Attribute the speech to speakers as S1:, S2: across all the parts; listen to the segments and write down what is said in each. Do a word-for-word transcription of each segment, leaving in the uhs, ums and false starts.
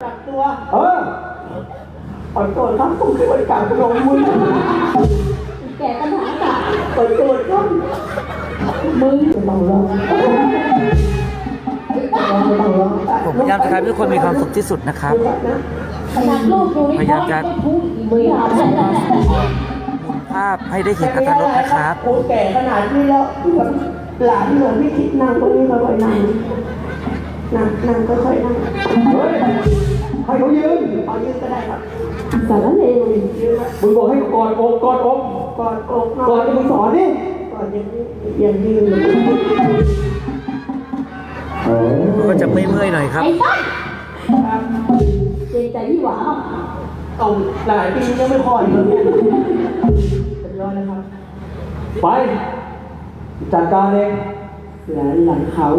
S1: กักตัว
S2: เออ
S1: ขอโทษครับผมคือคนกักตัวมึง
S3: แก่ปัญหาค่ะ
S1: ขอโทษครับมึงจะต้องร้อง
S2: ผมพยายามจะทำให้ทุกคนมีความสุขที่สุดนะครับ
S3: ขนาดลูกดูนี่
S2: พยายามจะ
S3: พูดอีกไม่อยากเลยนะ
S2: หมุนภาพให้ได้เห็นอรรถรสนะครับ
S1: โอ้แก่ขนาดนี้แล้วหลานหลวงพี่คิดนั่งตรงนี้ค่อยๆนั่งนั่งนั่งค่อยๆนั่ง
S2: เฮ้ยให้เขายืน
S1: เอายืนก็ได้ครับ
S3: สารเลว
S1: ยืนนะ
S2: มึงบอกให้กอดอกกอดอก
S1: ก่อนอก
S2: ก่อนจะมึงสอนนี่
S1: ก่อนอย่างนี้อย่างยืน
S2: ก็จะไม่เมื่อยหน่อยครับ
S3: ไอ้ต้นเกรงใจพี่หวา
S1: เอาหลายปียังไม่พออีกแล้วเนี่ยเป็นร้อยนะครับ
S2: ไป จัดการเอง
S1: หลานหลังเขา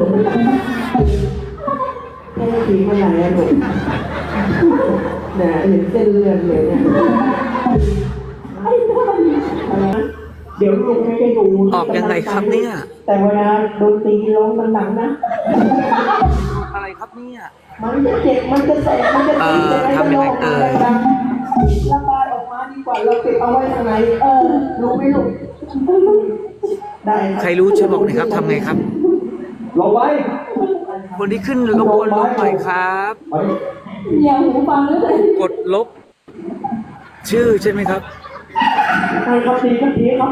S1: แค่ทีเมื่อไหร่อะหนูเนี่ยเห็นเส้นเลือดเลยเนี่ย
S3: ไอ้ต้น
S1: อะไรนะเดี๋ยวลุงไม่ได้ดู
S2: ออกยังไงครับเนี่ย
S1: แต่เวลาโดนตีร้องมันหนังนะ
S2: อะไรครับเนี่ย
S1: มันจะเจ็บ มันจะแสบ มันจะตี
S2: เออทำยังไงเอ่ย
S1: ระบายออกมาดีกว่าเราเก็บเอาไว้ทางไหนเออรู้ไหมลูกได้
S2: ใครรู้ช่วยบอกหน่อยครับทำไงครับ
S4: ลงไป
S2: คนที่ขึ้นรบกวนลบหน่อยครับ
S4: ไป
S3: อย่าหูฟังเลย
S2: กดลบ ชื่อใช่ไหมครับ
S1: ใครครับตีครับตีครับ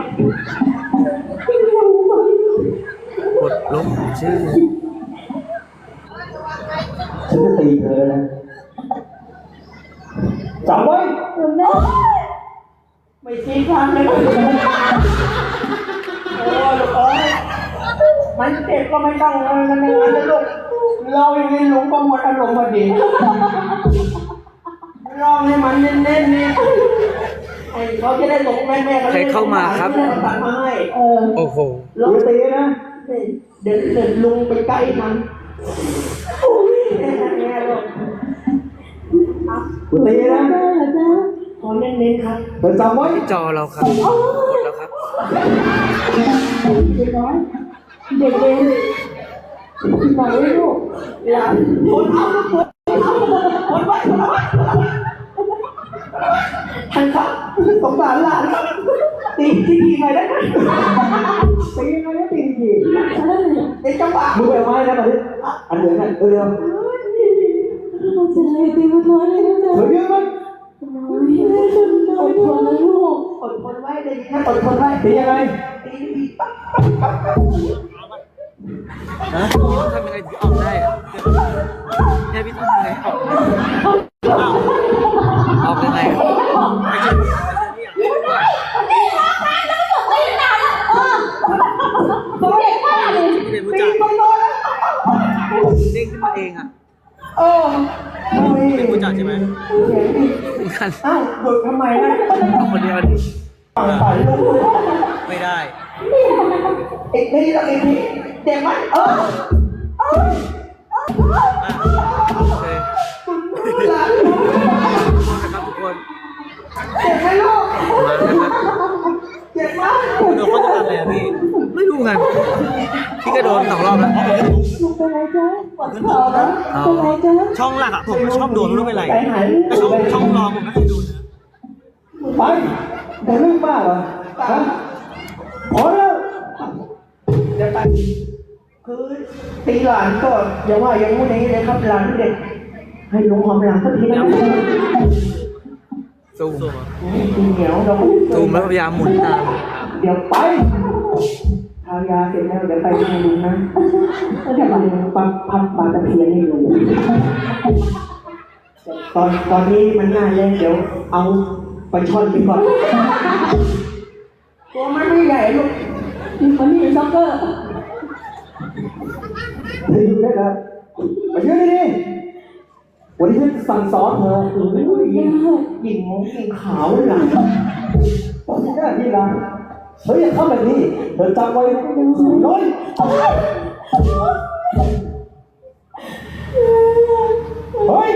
S2: กดลบชื่อ
S4: ฉันจะตีเธอนะจำไว้
S3: แม่
S1: ไม่ชี้ทางเลยโอ้ลูกเอ้ยมันเจ็บก็ไม่ต้องมันมันอย่างนั้นนะลูกเราอย่างนี้ลุงก็หมดอารมณ์พอดีลองให้มันเน้นๆนี่ไอ้เขาจะได้หลงแม่แม่
S2: ใครเข้ามาครับ
S1: ไม่ได้เอาตังค์มาให้เออ
S2: โอ้โห
S1: ลองตีนะเดี๋ยวเดี๋ยวลุงไปใกล้มันโอ้ยแม่แม่ลูก
S4: กูตีนะ
S3: แม่เหรอจ๊ะ
S1: ขอเน้นๆครับ
S4: เธอจำไว้
S2: จอเราครับ กดแล้วครับ
S3: เด็กน้อยเด็กเรียนบอกไว้ลูก
S1: หลานคนเอาคนเอาคนไว้คนไว้ท่านครับสงสารหลานครับตีที่ดีไปได้ไหมตียังไงก็ตีดีเด็กจังหวะ
S4: มึงไปไม้นะมาดิอันเหลืองนั่นเร็ว
S3: จะให้ตีมันน้อยเลยนะจ๊ะ
S4: ๆเธอยืนมัน
S3: น้อยแม่จนน้อยทนนะลูก
S1: อดทนไว้ได้ยินนะอดทนไว้
S4: ตียังไง
S1: ตีดีปั๊บ
S2: ฮะทำยังไงถึงออกได้อะเนี่ยพี่ต้องทำยังไงออกอ้าวออกยังไงอะไม่ใช่ไม่ใช่เนี่ย
S3: นี่ร้องไห้แล้วก็ตีนานแล้วเออเด็กมากเลย
S2: ไม่ได้รู้
S1: ตี
S2: จัก
S1: ไปโดนแล้ว
S2: เด้งขึ้นมาเองอ่ะ
S1: เออไม่
S2: ไม่รู้จักใช่ไหม
S1: เสียงดี
S2: เหมือนกัน
S1: อ้าวหยุดทำไมนะ
S2: เอาคนเดียวดิ
S1: ฝั่งฝ่ายลูก
S2: ไม่ได้
S1: อีกทีแล้วอีกทีเจ็บไหมเออเออ
S2: อ่ะโอเค
S1: หลาน
S2: นะครับทุกคน
S1: เจ็บไหมลูก
S2: มานะครับ
S1: เจ็บไหม
S2: โดนเขาจะทำอะไรอ่ะพี่ไม่รู้ไงพี่ก็โดนสองรอบแล้ว
S3: ลูกเป็นไรจ๊ะปวดคอนะ
S2: อ๋อ
S3: เป็นไรจ๊ะ
S5: ช่องหลักอะผมชอบโดนไม่รู้เป็นไร
S1: ใจหาย
S5: แต่ช่องช่องรองผมไม่เคยโดนนะ
S4: ไปแต่เรื่องมากเหรอฮะพอแล้ว
S1: เดี๋ยวไปคือตีหลานก็อย่าว่าอย่างงู้นอย่างนี้เลยครับหลานเด็ก ให้ลุงหอมหลังสักทีนะ
S2: ซูม
S1: กินเหนียวเรา
S2: ซูมแล้วพยายามหมุนตาม
S1: เดี๋ยวไปทายาเสร็จแล้วเดี๋ยวไปให้ลุงนะจะไปปั๊บพับปลาตะเพียนให้ลุงตอนตอนนี้มันน่าเล่นเดี๋ยวเอาไปช่อนไปก่อนตัวมันไม่ใหญ่ลูก
S3: มันมีซ็อกเกอร์
S4: เธอยืนได้แล้วไปยืนดีๆวันนี้ฉันสั่งสอนเธอ
S1: โอ้ยยิงยิงมงยิงขาวเลยล่ะ
S4: ตอนที่หน้าที่รังเธออย่าทำแบบนี้เธอจำไว้น้อยเฮ้ย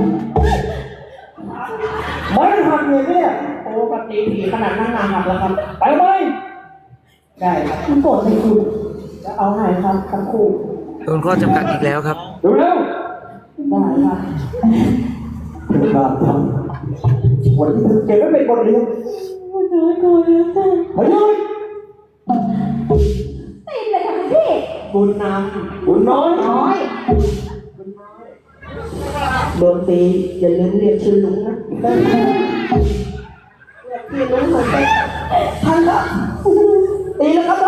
S4: ไม่หักเลยเนี่ย
S1: โอ้ปฏิผีขนาดนั้นนาหักแล้วครับ
S4: ไปไหม
S1: ได้ครับ
S3: มันโกรธเลยคุณ
S1: จะเอาให้ครับทั้งคู่
S2: โดนข้อจำกัดอีกแล้วครับ
S4: เร็ว
S3: ม
S1: ได้ครับ
S4: เธอกล้าทำวันที่เธอเก็บไว้เป็นบทเรียน
S3: มันน้อยกว่าแล้วจ้ะ
S4: เฮ้ย
S3: ตีนเลยค่ะคุณพี่
S1: บุญน
S4: บุญน้อย
S3: น้อย
S1: ำโดนตีอย่าลืมเรียกชื่อลุงนะเรียกชื่อลุงเหมือนกันทันแล้วตีแล้วครับนะ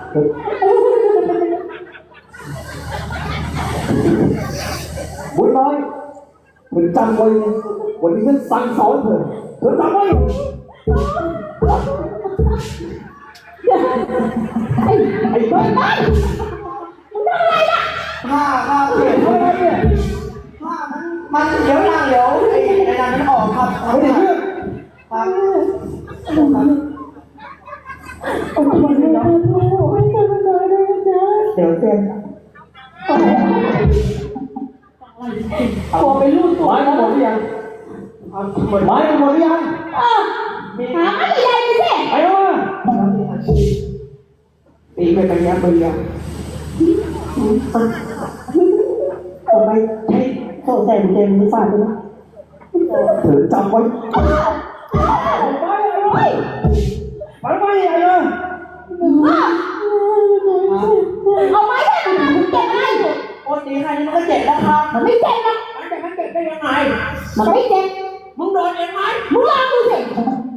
S4: บุญน้อยเธอจำไว้นะวันนี้ฉันสั่งสอนเธอเธอจำไว้
S3: ไอ้ไอ้บ้าบ้ามึงทำอะไรล่ะ
S1: ผ้าผ้าเปลี่ยนเท่าไหร่เนี่ยผ้ามันมันเดี๋ยวนั่งเดี๋ยวไอ้ไอ้นั่นมันออกครับ
S4: ไม่ได้เรื่อง
S1: ครับ
S3: โอ้ยมันไม่ได้โอ้ยทำไมได้เลยจ้ะ
S1: เดี๋ยวเซ็น
S3: ตัวไปรูดตัว
S4: ไม้มันหมดหรือยัง
S1: เอาหมด
S4: ไม้มันหมดหรือยัง
S3: เออหาไม่ได้ไปสิ
S4: ไปเอามา
S1: ตีไปไปยับไปยับต่อไปใช้โซ่ใส่เต็มมือฝาดด้วยนะ
S4: เธอจำไว้
S3: เฮ้ย
S4: ไปไปใหญ่เลย
S3: เอาไม้ได้มันถึงเจ็บไง
S1: โอ้ตีใครนี่มันก็เจ็บแล้วครับ
S3: มันไม่เจ็บนะ
S1: มันจะมันเจ็บได้ยังไง
S3: มันไม่เจ็บ
S1: มึงโดนเองไหม
S3: มึงลองดูสิ
S1: ม